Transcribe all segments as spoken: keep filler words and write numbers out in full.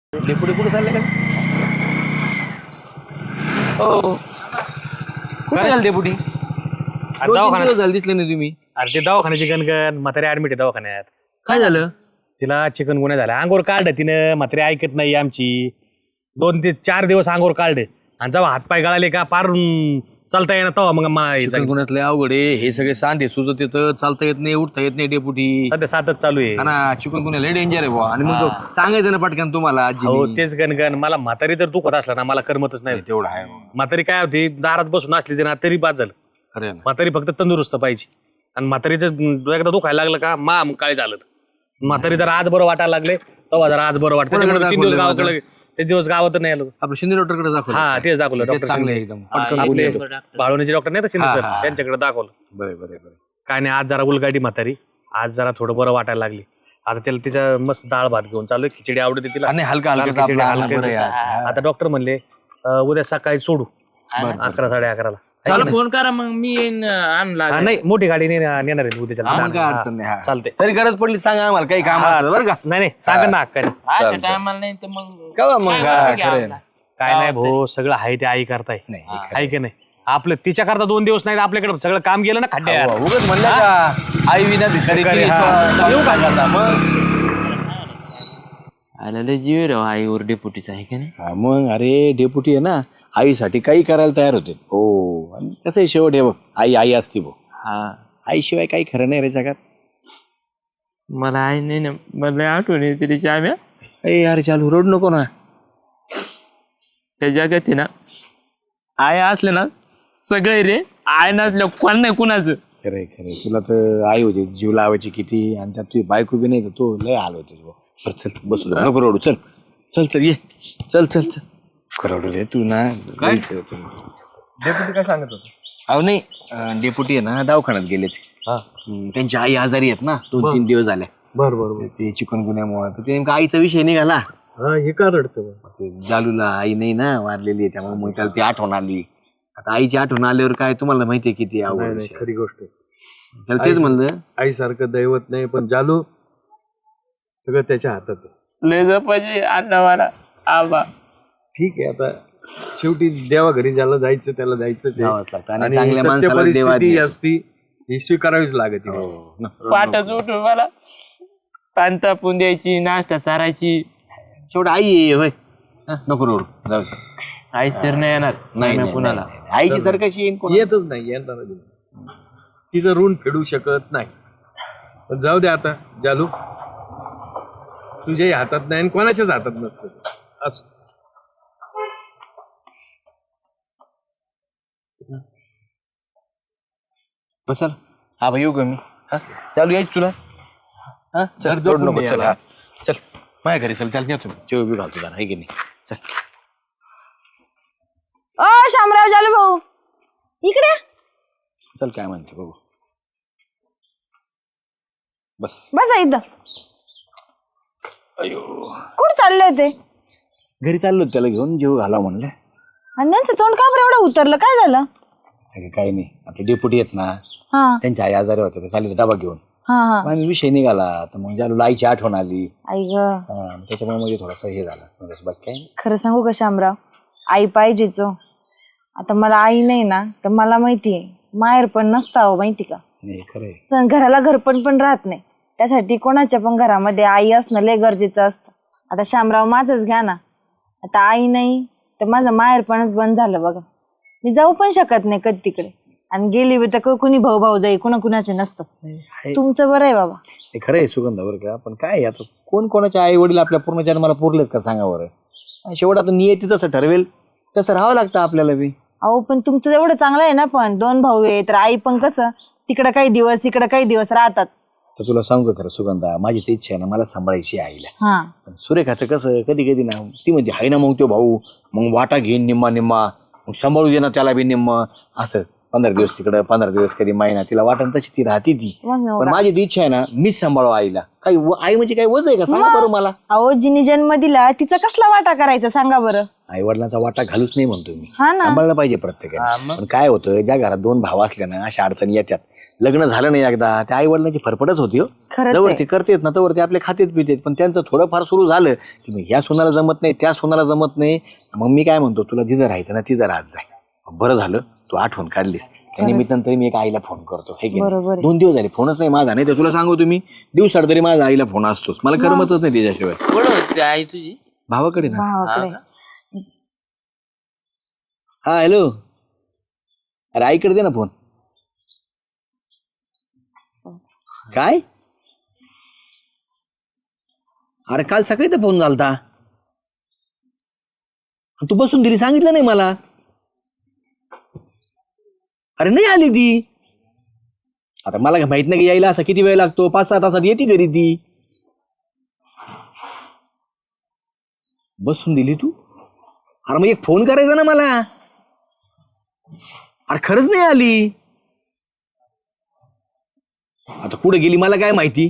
Deputy कुठे चालले का? हो कुठे झालं डेपुटी? दवाखान्यात झालं दिसलं नाही तुम्ही. अरे ते दवाखान्याची गणगण म्हातारी ऍडमिट आहे दवाखान्यात. काय झालं? तिला चिकन गुन्हा झाला. अंगोर काढ तिनं. म्हातारी ऐकत नाही आमची. दोन ते चार दिवस अंगोर काढ आणि जेव्हा हातपाय गळाले का पार अं, चालता येणार तेव्हा मग मा- चिकनगुन्ह्यातले अवघड आहे हे सगळे सांधे सुजत येतं, चालता येत नाही, उठता येत नाही डेपुटी. सध्या सातच चालू आहे. ना चिकनगुन्हा लय डेंजर आहे बुवा. आणि मग सांगायचं ना पटकन तुम्हाला हो आजी. तेच गणगण. मला म्हातारी जर दुखत असला ना मला करमतच नाही. तेवढं आहे बुवा. म्हातारी काय होती दारात बसून असली ना तरी बाद झालं. खरं आहे ना. म्हातारी फक्त तंदुरुस्त पाहिजे. आणि म्हातारीचं एकदा दुखायला लागलं का मा मग काय झालं. म्हातारी जर आज बरं वाटायला लागले तेव्हा जरा आज बरं वाटतं. त्याच्यामुळे तीन दिवस गावाकडे ते दिवस गावात नाही आलो. आपलं शिंदे डॉक्टरकडे दाखवलं. हा तेच दाखवलं ते डॉक्टर चांगलं आहे एकदम पटकन बोलून येतो. बाळवणीचे डॉक्टर नाही तर शिंदे सर त्यांच्याकडे दाखवलं. बरे बरे बरे. काय नाही आज जरा उलगाडी म्हातारी. आज जरा थोडं बरं वाटायला लागली. आता त्याला तिच्या मस्त डाळ भात घेऊन चालू खिचडी आवडते तिला. आणि हलका हलका खिचडी आपला हलकं. बरं आहे. आता डॉक्टर म्हणले अं, उद्या सकाळी सोडू अकरा साडे अकराला. मला फोन करा मग मी येईन आणला हा, नाही मोठी गाडी ने- नेणार आहे उद्याच्या. आम्हाला काय अडचण नाही. हा. चालते. तरी गरज पडली सांगा आम्हाला काही काम असलं बरं का. नाही नाही सांगा ना अक्काने. अशा टायमाला नाही तर मग का मग हा, खरं आहे ना. काय नाही भाऊ सगळं आहे ते आई करताय. आहे की नाही आपलं तिच्या करता दोन दिवस नाही आपल्याकडे सगळं काम गेलं ना खड्ड्यात. उगाच म्हणलं का आई विना भिकारी भिकारी, तिने हा. स्व- येऊ काय करता मग. आला लय जीव रे आईवर डेपुटीचा आहे का नाही. हा, मग अरे डेपुटी आहे ना आईसाठी काही करायला तयार होते. हो आणि कसं आहे शेवट हे बघ आई आई असती बघ. हा आईशिवाय काही खरं नाही रे जगात. मला आई नाही ना मला आठवण येते तिची आम्ही ए यार चालू रोड नको ना. त्या जगात आहे ना आई असले ना सगळे रे आई नसल्या कोण नाही कुणाचं. खरे खरे तुला तर आई होती जीव लावायची किती आणि त्यात तुझी बायको बी नाही तर तो लय हाल होते. बरं चल बसू दे. नको रोडू चल चल चल ये चल चल चल खरवडू रे तू ना. डेप्युटी काय सांगत होतं? अहो नाही अं, डेपुटी आहे ना दवाखान्यात गेले ते. हम्म, त्यांची आई आजारी आहेत ना दोन तीन दिवस झाले. बर बर ते चिकनगुन्ह्यामुळे तर ते नेमका आईचा विषय निघाला. हा हे का रडतं? ते जालूला आई नाही ना वारलेली आहे त्यामुळे मग त्याला ती आठवण आली. आता आईची आठवण आल्यावर काय तुम्हाला माहितीये किती आवड. खरी गोष्ट आहे. त्याला तेच म्हणलं आईसारखं दैवत नाही पण जालू सगळं त्याच्या हातात आहे. लय जपायची अण्णा मला आबा. ठीक आहे आता शेवटी देवा घरी ज्याला जायचं त्याला जायचंच आहे. जावंच लागतं आणि आणि चांगल्या सत्य माणसाला देवा परिस्थिती द्यायचं. असती ही स्वीकारावीच लागते. पाठच उठून मला पान तापून द्यायची नाश्ता चारायची. शेवट आई आहे होय. हा, नको रोड जाऊ दे. आई सर नाही येणार नाही नाही, कुणाला नाही, नाही. आईची सर कशी येईन कोणाला? येतच नाही येणार नाही. तिचं ऋण फेडू शकत नाही. पण जाऊ दे आता जालू तुझ्याही हातात नाही आणि कोणाच्याच हातात नसतं ते. असं बसल हा भाई येऊ का मी. हा चालू यायच तुला. हा चल जपून रोड नको ये चल. याला. हा चल माझ्या घरी चल चल येतो जेव बी घालतो जरा आहे की नाही. चल ओ शामराव जालू भाऊ इकडे चल काय म्हणते बघू. बस बसा इथं. अयो कुठं चालले होते? घरी चाललो होतो त्याला घेऊन जेव घाला म्हणलं. आणि त्यांचं तोंड का बरं एवढं उतरलं काय झालं? अरे काही नाही आपले डेपुटी आहेत ना हा त्यांच्या आई आजारी होत्या ते चालले डबा घेऊन. हा हा मग आम्ही विषय निघाला तर मग जालूला आईची आठवण आली. आई ग हा, त्याच्यामुळे म्हणजे थोडासा हे झाला म्हणजे बाकी काय नाही. खरं सांगू का शामराव आई पाहिजेच हो. आता मला आई नाही ना तर मला माहितीये माहेर पण नसता हो माहिती का. नाही खरंय. च- घराला घरपण पण राहत नाही. त्यासाठी कोणाच्या पण घरामध्ये आई असणं लय गरजेचं असतं. आता शामराव माझंच घ्या ना. आता आई नाही तर माझं माहेरपणच बंद झालं बघा. मी जाऊ पण शकत नाही कधी तिकडे आणि गेली बी तर क- कुणी भाऊ भाऊ जाई कुणा कुणाचे नसतं. तुमचं बरं आहे बाबा. हे खरं आहे सुगंधा बरं का पण काय आहे आता कोण कोणाच्या आई वडील आपल्या पूर्ण जन्माला पुरलेत का सांगा बरं. आणि शेवट आता नियती जसं ठरवेल तसं राहावं लागतं आपल्याला बी. अहो पण तुमचं एवढं चांगलं आहे ना पण दोन भाऊ आहे तर आई पण कसं तिकडं काही दिवस इकडं काही दिवस राहतात. तर तुला सांगू का खरं सुगंधा माझी ते इच्छा आहे ना मला सांभाळायची आहे आईला. हा पण सुरेखाचं कसं कधी कधी ना ती म्हणजे हाय ना मग तो भाऊ मग वाटा घेईन निम्मा निम्मा मग सांभाळू दे ना त्याला बी निम्म असं पंधरा दिवस तिकडं पंधरा दिवस कधी महिना तिला वाटण तशी ती राहते ती. मग पण माझी ती इच्छा आहे ना मीच सांभाळू आईला. काही व- आई म्हणजे काही वज आहे का सांगा बरं मला. अहो जिने जन्म दिला तिचा कसला वाटा करायचा सांगा बरं. आई वडिलांचा वाटा घालूच नाही म्हणतो मी. हा ना. सांभाळलं पाहिजे प्रत्येकाने. पण काय होतं ज्या घरात दोन भाव असल्या ना अशा अडचणी येतात. लग्न झालं नाही एकदा त्या आई वडिलांची फरफडच होती हो. खरंच जवळ आहे. ते करतेत ना तवर ते आपले खातेत पितेत. पण त्यांचं थोडंफार सुरू झालं की मग ह्या सोनाला जमत नाही त्या सोनाला जमत नाही. मग मी काय म्हणतो तुला जिथं राहायचं ना तिथं राहत जाय. बरं झालं तू आठवण काढलीस. त्या निमित्तानं तरी मी एक आईला फोन करतो. हे की बरोबर नाही? आहे. दोन दिवस झाले फोनच नाही माझा. नाही तर तुला सांगू तुम्ही दिवसाड तरी माझा आईला फोन असतोच. मला करमतच नाही त्याच्याशिवाय. कुठं होती आई तुझी? भावाकडे ना. भावाकडे. हा हॅलो. अरे आईकडे दे ना फोन. काय अरे काल सकाळी तर फोन झालता. तू बसून दिली सांगितलं नाही मला. अरे नाही आली ती. आता मला काय माहित नाही की यायला असा किती वेळ लागतो. पाच सहा तासात येते घरी ती. बसून दिली तू. अरे मग एक फोन करायचा ना मला. अरे खरंच नाही आली. आता कुठे गेली मला काय माहिती.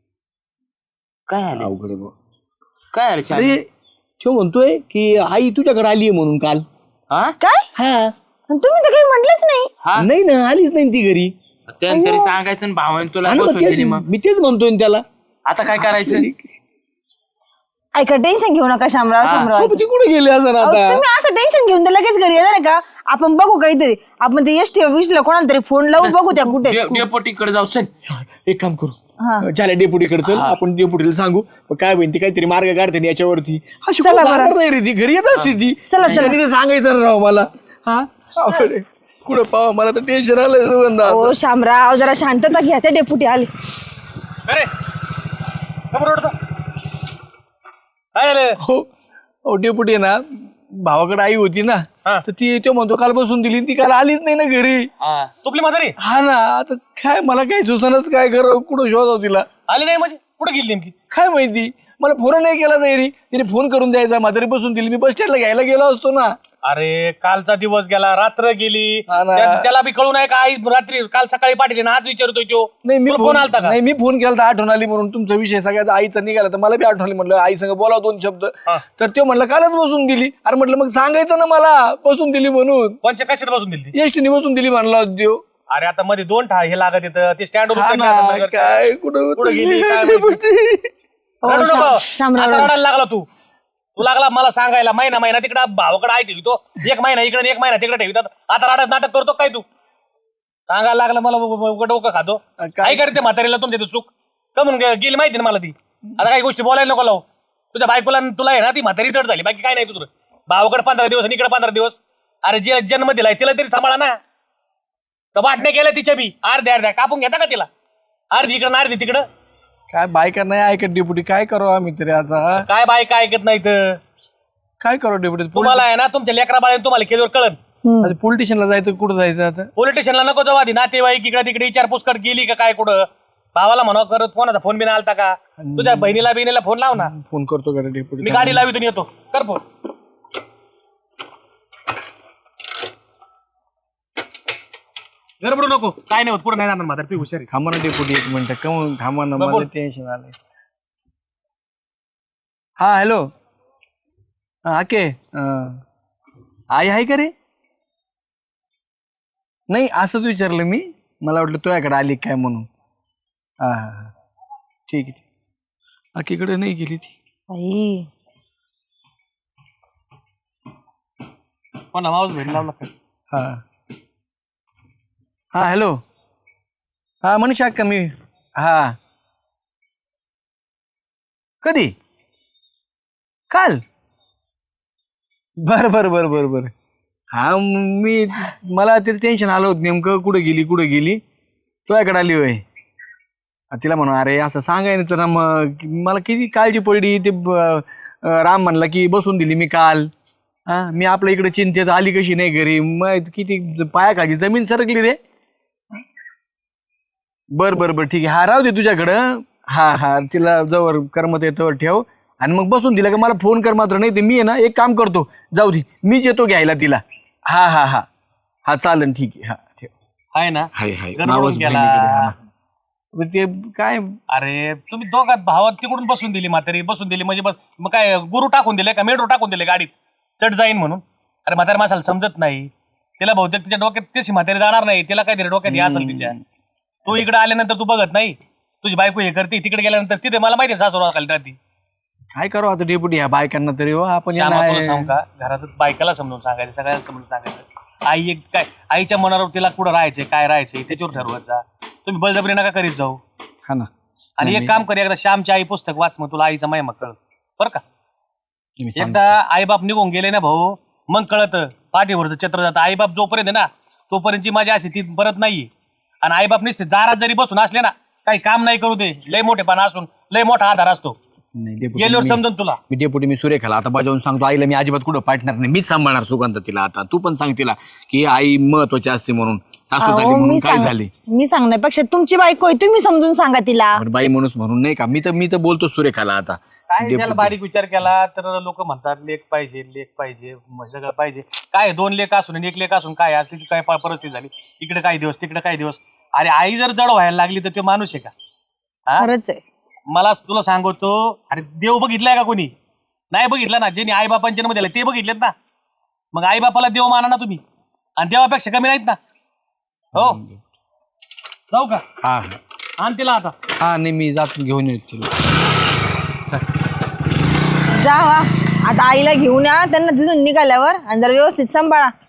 काय आले? अवघड आहे बुवा. काय आले श्याम? अरे तो म्हणतोय की आई तुझ्याकडे आली आहे म्हणून काल. हा काय हा पण तुम्ही तर काही म्हटलंच नाही. हा नाही ना आलीच नाही ती घरी. त्यानं तरी सांगायचं ना भावाने तुला हा ना, मग बसवून दिली तेच- मग. मी तेच म्हणतोय ना त्याला. आता काय करायचं? ऐका टेन्शन घेऊ नका शामराव शामराव हो, पण ती कुठे गेली असं अहो, आता. तुम्ही असं टेन्शन घेऊन तर लगेच घरी येणार का. आपण बघू काहीतरी. आपण ते एसटी ऑफिसला कोणाला तरी फोन लावू बघू त्या कुठे आहेत. डे- डेपोटीकडे जाऊ चल. एक काम हा. करू झाल्या डेपुटीकडे चल. आपण डेपुटीला सांगू मग काय बहिणी काहीतरी मार्ग काढते ना याच्यावरती. अशी चला कुठं बरं. जाणार नाही रे ती घरी येत असते ती. चला, चला. त्यांनी ते सांगायचं ना राव मला. हा अवघड आहे. कुठं पावा मला तर टेन्शन आलंय सुगंधा. ओ शामराव जरा शांतता घ्या. त्या डेपुटी आले. अरे खबर ओढतो काय झालं? हो हो डेपुटी आहे ना भावाकडे आई होती ना. हा. तर ती तो म्हणतो काल बसून दिली ती काल आलीच नाही ना घरी. हा. तुपली म्हातारी हा ना आता काय मला काय सुसानच काय कर कुठं शोधाव तिला. आली नाही म्हणजे कुठे गेली नेमकी? काय माहिती मला फोन नाही केला तरी तिने फोन करून द्यायचा. म्हातारी बसून दिली मी बस स्टँडला घ्यायला गेलो असतो ना. अरे कालचा दिवस गेला रात्र गेली हा ना. त्या- त्याला बी कळू नाही का आई रात्री काल सकाळी पाठवली ना आज विचारतोय तो. नाही मी तुला फोन फोन आलता का? नाही मी फोन केला तर आठवण आली म्हणून तुमचा विषय सगळ्याचा आईचा निघाला तर मला बी आठवण आली. म्हटलं आई संग बोलाव दोन शब्द. हा. तर तो म्हणलं कालच बसून दिली. अरे म्हटलं मग सांगायचं ना मला बसून दिली म्हणून. पंच कशात बसून दिली ती? एसटीने बसून दिली म्हणला होता त्यो. अरे आता मध्ये दोन ठा हे लागत येतं ते स्टँड हा ना काय कुठं कुठं गेली, काय माहिती? ओ, शा- शामराव रडायला लागला तू तू लागला मला सांगायला महिना महिना तिकडे भावाकडे आई ठेवतो एक महिना इकडे एक महिना तिकडे ठेवतात. आता रडायचं नाटक करतो काय तू? सांगायला लागला मला ब- ब- ब- डोकं खातो. काय? काय करते म्हातारीला तुमच्या इथं चूक कमून गे- गेली माहिती ना मला ती. आता काही गोष्टी बोलायला नको लावू. तुझ्या बायकोला आणि तुला आहे ना ती म्हातारी चढ झाली बाकी काय नाही तुझं. भावाकडे पंधरा दिवस आणि इकडे पंधरा दिवस. अरे जे जन्म दिलाय तिला तरी सांभाळा ना. तर वाटण्या केल्या तिच्या बी अर्ध्या अर्ध्या कापून घेता का तिला? अर्धी इकडं अर्धी तिकडं. काय बायका नाही ऐकत डेपुटी काय करू आम्ही तरी आता. काय बाय काय ऐकत नाही तर काय करू डेपुटी. तुम्हाला आहे ना तुमच्या लेकरा बाळाने तुम्हाला केल्यावर कळन. पोलिटिशियनला जायचं कुठं जायचं आता. पोलीस स्टेशनला नको जाऊ आधी नातेवाईक इकडे तिकडे विचारपूस कर गेली का काय कुठं. भावाला म्हणा करत कोणाचा फोन बिन आलता का? तुझ्या बहिणीला बिनीला फोन लाव ना. फोन करतो का डेपुटी. मी गाडी लावितून येतो कर फोन. गडबडू नको काय नाही होत पुढे नाही जाणार म्हातार तू हुशार आहे. थांबा ना डेपुटी एक मिनिट कमून थांबा ना बघ, मला बोल. टेन्शन आलंय. हा हॅलो हा के आई आहे का रे. नाही असंच विचारलं मी. मला वाटलं तुझ्याकडे आली काय म्हणून. हा हा हा ठीक आहे ठीक. आकीकडे नाही गेली ती. बाई कोणा मावस बहीण लावला काय? हा हा हॅलो हा मनीषा अक्का मी. हा कधी काल. बर बर बर बर बर हा मी मला ते टेन्शन आलं होतं नेमकं कुठं गेली कुठं गेली. तुझ्याकडे आली होय. तिला म्हणून अरे असं सांगाय ना तर मग मला किती काळजी पडली. ते ब- राम म्हणला की बसून दिली मी काल. हा मी आपल्या इकडे चिंतेत आली कशी नाही घरी मग किती पायाखाली जमीन सरकली रे. बर बर बर ठीक आहे. हा राहू दे तुझ्याकडं. हा हा तिला जवळ करमत येतो ठेव आणि मग बसून दिला का मला फोन कर मात्र. नाही ते मी आहे ना एक काम करतो जाऊ दे मीच येतो घ्यायला तिला. हा हा हा हा चालेल ठीक आहे. हा ठेव. आहे ना हाय हाय गडबडून नावच गेला. बहिणीकडे, हा ना. पण ते काय अरे तुम्ही दोघात भावात तिकडून बसून दिली म्हातारी बसून दिली म्हणजे बस मग काय गुरु टाकून दिले का मेट्रो टाकून दिले गाडीत चढ जाईन म्हणून. अरे म्हातारी माणसाला समजत नाही, तिला बहुतेक तिच्या डोक्यात तशी म्हातारी जाणार नाही, तिला काहीतरी डोक्यात हे असेल तिच्या. तू इकडे आल्यानंतर तू बघत नाही, तुझी बायको हे करते, तिकडे गेल्यानंतर तिथे मला माहिती आहे सासू खाली राहते. काय करू आता डेपुटी ह्या बायकांना तरी हो आपण यांना श्यामा, तुला आहे. सांगू का घरात बायकाला समजून सांगायचं, सगळ्याला समजून सांगायचं. आई एक काय आईच्या मनावर तिला कुठं राहायचंय काय राहायचंय त्याच्यावर ठरवायचा. तुम्ही बळजबरी नका करीत जाऊ. हा ना आणि एक काम कर, एकदा श्यामची आई पुस्तक वाच, मग तुला आईचा महिमा कळत बरं का. तुम्ही सांगा. एकदा आईबाप निघून गेले ना भाऊ, मग कळत पाठीवरचं चित्र जातं. आईबाप जोपर्यंत आहे ना तोपर्यंतची माझी अशी ती परत नाहीये. आणि आईबाप निसते दारात जरी बसून असले ना काही काम नाही करू दे, लय मोठेपणा असून लय मोठा आधार असतो. नाही, डेपुटी, गेल्यावर मी- समजून तुला. मी डेपुटी मी सुरेखाला आता बजावून सांगतो आईला मी अजिबात कुठं पाठणार नाही, मीच सांभाळणार सुगंध तिला. आता तू पण सांग तिला की आई महत्वाची असते म्हणून, सासू झाली अहो, म्हणून मी काय सांग झाली. मी सांगण्यापेक्षा तुमची बायको आहे, तुम्ही समजून सांगा तिला. बरं, बाई माणूस म्हणून नाही का, मी तर मी तर बोलतो सुरेखाला आता. काय डेपुटी. त्याला बारीक विचार केला तर लोक म्हणतात लेख पाहिजे लेख पाहिजे मग सगळं पाहिजे. काय दोन लेख असून आणि एक लेख असून काय आज तिची काय प- परिस्थिती झाली, इकडे काही दिवस तिकडे काही दिवस. अरे आई जर जड व्हायला लागली तर तो माणूस आहे का? हा? खरंच आहे. मला तुला सांगतो, अरे देव बघितलाय का कोणी? नाही बघितला ना. ज्यांनी आई बापांच्या जन्म दिला ते बघितलेत ना. मग आई बापाला देव माना ना तुम्ही, आणि देवापेक्षा कमी नाहीत ना. हो जाऊ का? हा आण तिला आता. हा नाही मी जात घेऊन येतो तिला. जा वा. आता आईला घेऊन या, त्यांना तिथून निघाल्यावर आणि जर व्यवस्थित सांभाळा.